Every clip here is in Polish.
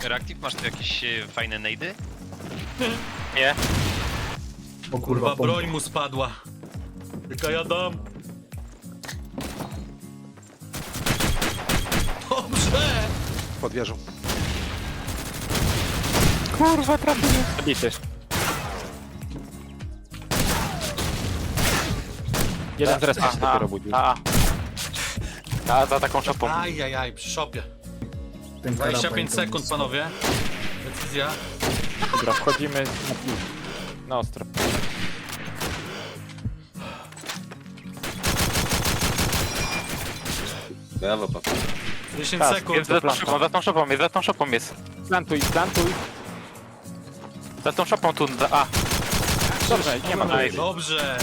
Reactive, masz tu jakieś fajne nejdy? Nie. O Kurwa, kurwa, broń mu spadła. Tylko ja dam. Dobrze! Pod wieżą. Kurwa, trafiłem. Zabity. Jeden z respa się dopiero budził. A za taką szopą. Ajajaj, przy szopie. ten 25 karabin sekund, panowie. Decyzja. Dobra, wchodzimy na ostro. Brawo, papa. 10 Jest sekund. za tą szopą jest. Plantuj. Za tą szopą tu, a. Dobrze, nie ma tutaj. Dobrze.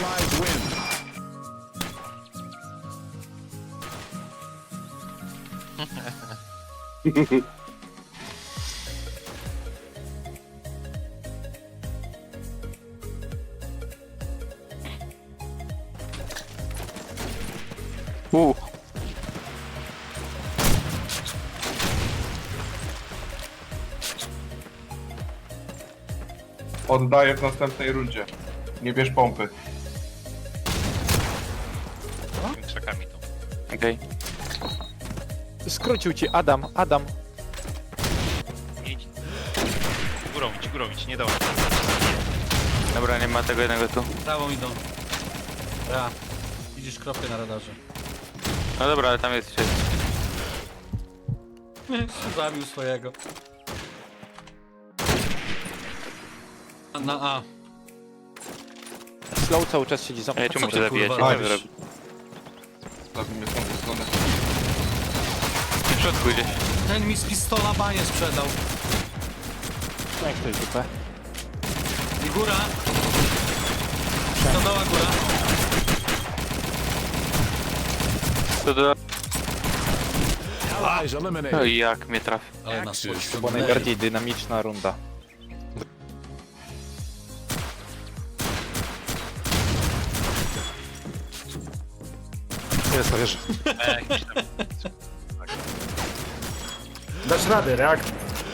Oddaję w następnej rundzie. Nie bierz pompy. Tymi krzakami tu. Okej. Skrócił ci Adam. Idź. Górą idź, nie dał. Dobra, nie ma tego jednego tu. Prawą idą. Ja. Widzisz kropkę na radarze. No dobra, ale tam jest jeszcze. Zabił swojego. Na A. Slow cały czas siedzi za mną. Ja tu muszę zabijać, kurwa, robisz? Zabij mnie z tą stronę. W środku gdzieś. Ten mi z pistola baję sprzedał. Jak ktoś dupę. I góra. Stodoła góra. To do... No i jak mnie trafi. Ale nas To była podciągnęli. najbardziej dynamiczna runda. Jest na wieży. Jakiś tam. Dasz radę, reakt.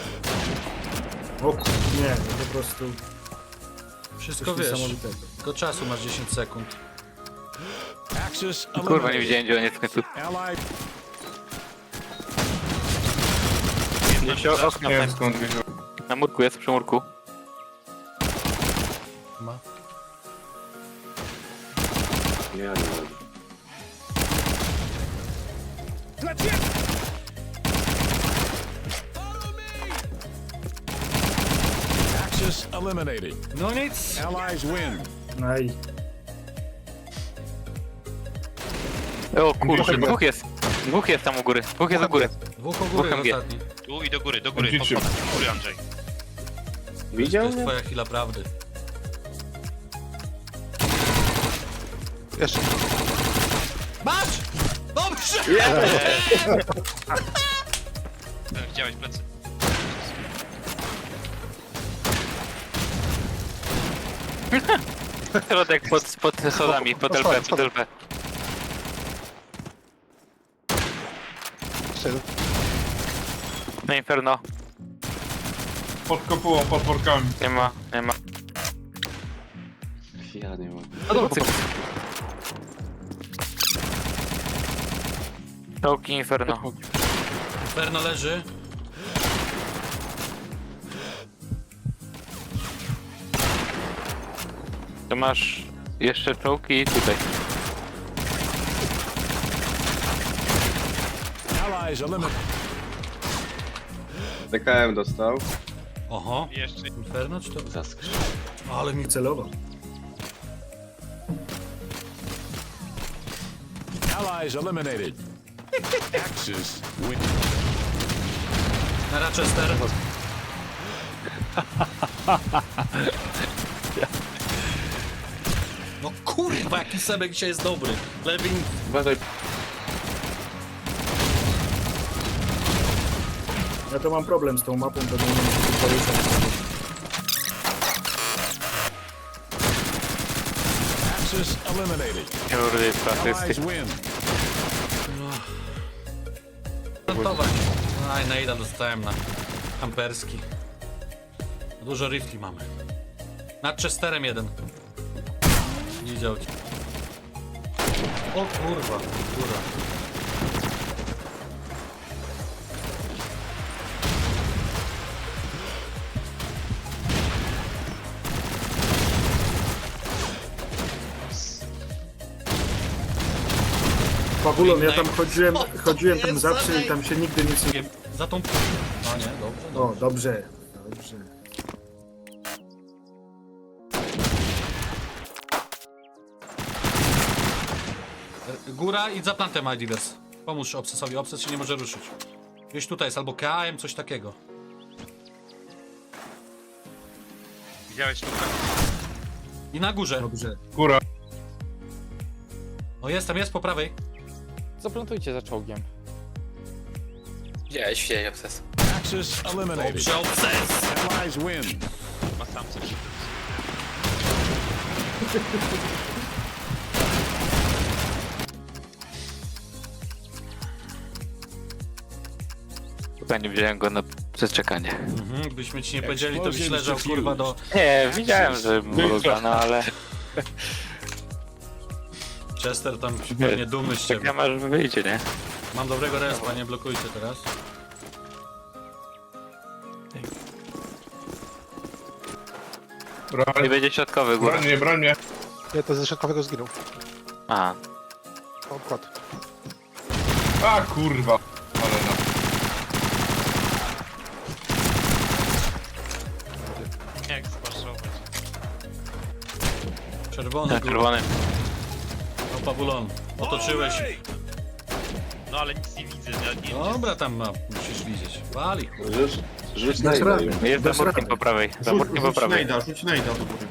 O kur... nie, no po prostu Wszystko coś wiesz. niesamowitego. Tylko czasu masz 10 sekund. Kurwa, nie widziałem gdzie on jest w końcu. Nie wiem skąd wiedział. Na murku jest, przy murku. Ma. Axis eliminated. No nic. Allies win. No i O kurczę, dwóch jest tam u góry. Dwóch jest u góry. Dwóch u góry Dwóch MG. ostatni. Tu i do góry, pod Widzicie. do góry, Andrzej. To jest twoja chwila prawdy. Jeszcze. Masz! Dobrze! Widziałeś plecy. Środek pod schodami, pod LP. Jeszcze jeden. Na Inferno. Pod kopułą, pod workami. Nie ma. Ja nie mam. Cyk. Czołki Inferno. Inferno leży. To masz jeszcze czołki tutaj. Allies eliminated. DKM dostał. Oho. Jeszcze. Inferno czy to? Zaskrzył. Ale mi celował. Allies eliminated. Axis win. na Rochester. No kurwa, jaki Sebek dzisiaj jest dobry. Lewin. Uważaj. Ja to mam problem z tą mapą, to nie wiem, czy to jest. Axis eliminated. Kurde, Allies asysty. win. Plantować. Aj, najda dostałem na Amperski. Dużo rifli mamy. Nad Chesterem jeden. Nie widział cię. O kurwa, góra. Pawulon, ja tam chodziłem tam zawsze i tam się nigdy nic nie... Za tą... A nie, dobrze, O, dobrze, dobrze. Góra i za plantem Idivers. Pomóż Obsesowi, Obses się nie może ruszyć. Gdzieś tutaj jest albo KM, coś takiego. Widziałeś tu? I na górze. Dobrze. Góra. O, jest po prawej. Zaplantujcie za czołgiem. Widziałeś, Obses. Axis eliminated. Dobrze, Obses! Allies win. Ma sam coś. Chyba nie wziąłem go na przeczekanie. Mhm, gdybyśmy ci nie powiedzieli, to byś leżał kurwa do... Nie, widziałem, że mruga, no ale... Chester tam pewnie dumny z ciebie. Czekam aż wyjdzie, nie? Mam dobrego respa, nie blokujcie teraz. Nie Broń, będzie środkowy góra. broń mnie, broń mnie. Nie, to ze środkowego zginął. A, Odkład. A kurwa. Ale no. Jak spaszować? Czerwony, ten kurwa. czerwony. O, Pawulon. Otoczyłeś. No ale nic nie widzę, nie Dobra, tam musisz widzieć. Wali. Rzuć Dasz na radę. Jest za Dasz murkiem radę. po prawej. Za murkiem po prawej. Rzuć najda do góry.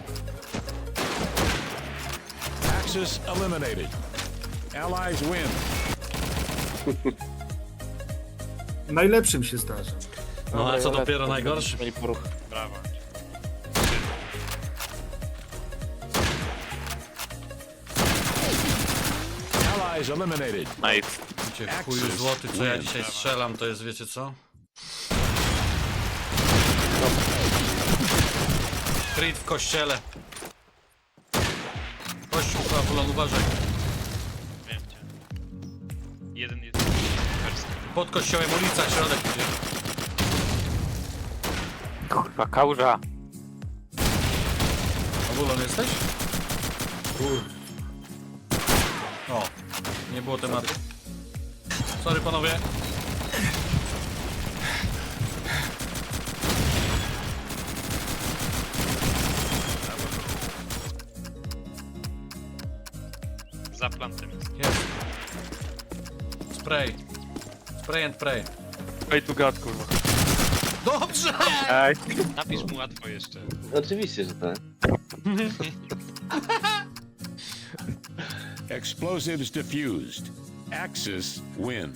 Axis eliminated. Allies win. Najlepszym się zdarza. No a co dopiero najgorszy? Mieli poruch. Brawo. Allies eliminated. Nice. Wiecie, w chuju złoty, co ja dzisiaj strzelam, to jest, wiecie co? Creed w kościele. Kościół, Pawulon, uważaj. Wiem cię. Jeden jest. Perski. Pod kościołem ulica, środek idzie. Kurwa, kałuża. Pawulon jesteś? O, nie było tematu. Sorry panowie. Za plantem jest. Jest. Spray. Spray and pray. Pay to God, kurwa. Dobrze! Napisz mu łatwo jeszcze. Oczywiście, że tak. Explosives defused. Axis win.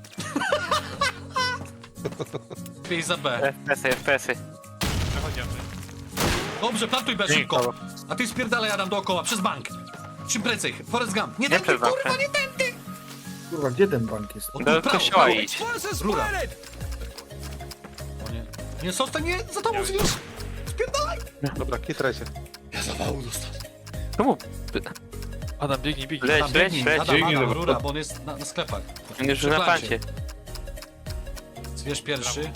Pij za B. FPS-y, FPS-y. Przechodzimy. Dobrze, plantuj B szybko. A ty spierdalaj Adam dookoła, przez bank. Czym prędzej, Forrest Gump. Nie Nie tędy, przez bank. kurwa, nie tędy! Kurwa, gdzie ten bank jest? O, tu Do prawo, kościoła prawo. idź. Rura. O nie. Nie, zostań, nie, za tobą zwiesz. Spierdalaj. Dobra, kitraj się. Czemu? Adam, biegnij, biegnij. Leć, Adam, leć, biegnij. leć. Adam, rura, bo on jest na sklepach. On już Przy na plancie. plancie. Zwierz pierwszy.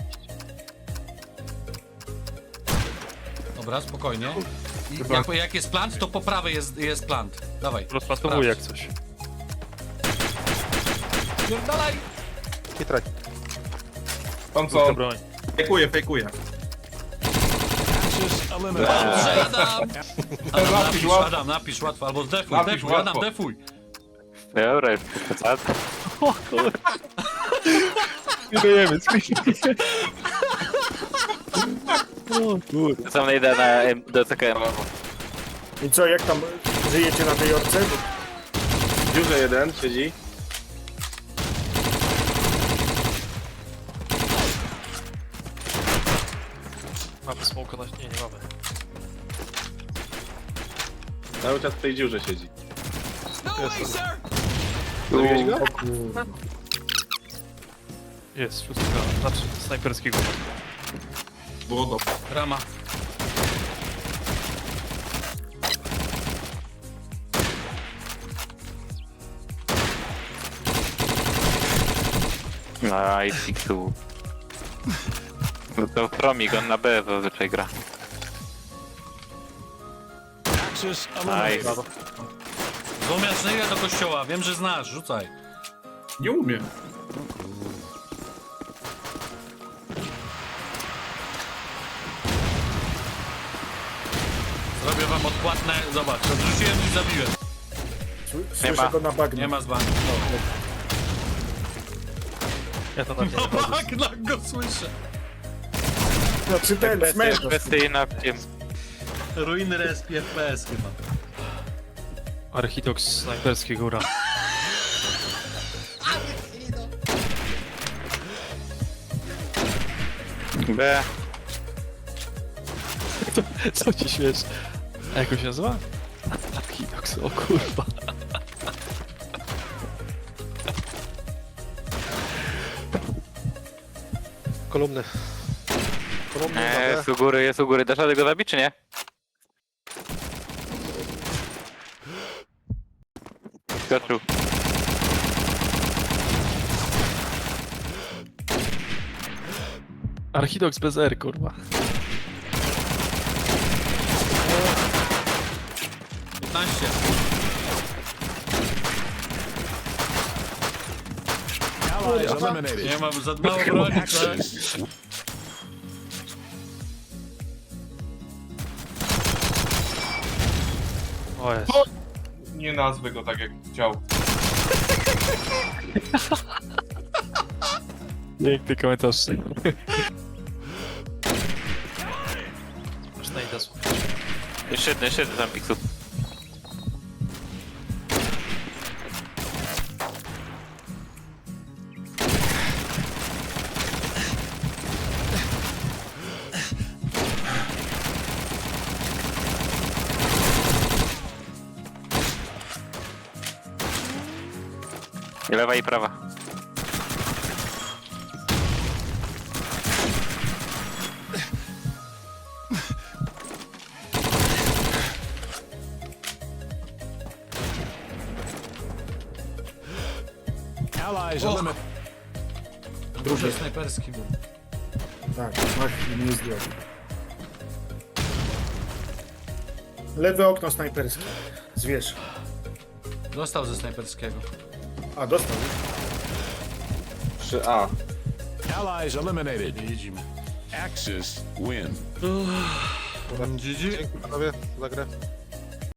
Dobra, spokojnie. I jak jest plant, to po prawej jest plant. Dawaj. Rozplantowuję jak coś. Spierdalaj. Kitraj. Tam co? broń. Fejkuję. Axis eliminated. Dobrze, Adam. Adam, napisz, łatwo. Adam, napisz łatwo, albo defuj, Napisz defuj, Adam, łatwo. defuj. Dobra, już przesadzę. Skidujemy. Sam najdę na do CKM. I co, jak tam żyjecie na tej orce? W dziurze jeden siedzi. Mamy smoka na... Nie mamy. Cały czas w tej dziurze siedzi. O kurwa. Jest, szóstka. Znaczy snajperskiego. Było dobrze. Rama. Nice, X2. No to Fromik, on na B zazwyczaj gra. Axis eliminated. Nice. Złomiarz, nie do kościoła, wiem, że znasz, rzucaj. Nie umiem. Zrobię wam odpłatne, zobacz, odrzuciłem i zabiłem. Słyszę go na bagnie. Nie ma z banku. Ja to na mnie. Na bagnach go słyszę. Znaczy ten, smerz. Kwestie na tym. Ruiny respi FPS chyba. Archidox snajperski góra. B. Co ci śmiesz? A jak on się nazywa? Archidox, o kurwa. Kolumny. Kolumny na B. Jest u góry. Dasz radę go zabić, czy nie? Skoczył. Archidox bez R, kurwa. 15. Allies eliminated. Nie mam za mało broni, tak? Axis. O jest. Nie nazwę go tak jak chciał. Piękny komentarz. Można i das. Jeszcze jeden tam Pixu. I lewa i prawa. Allies eliminated. Duży snajperski był. Tak, mach i nie zdjął. Lewe okno snajperskie. Zwierz. Dostał ze snajperskiego. A, dostał. 3A. Allies eliminated. Nie jedziemy. Axis win. GG. Dzięki panowie za grę.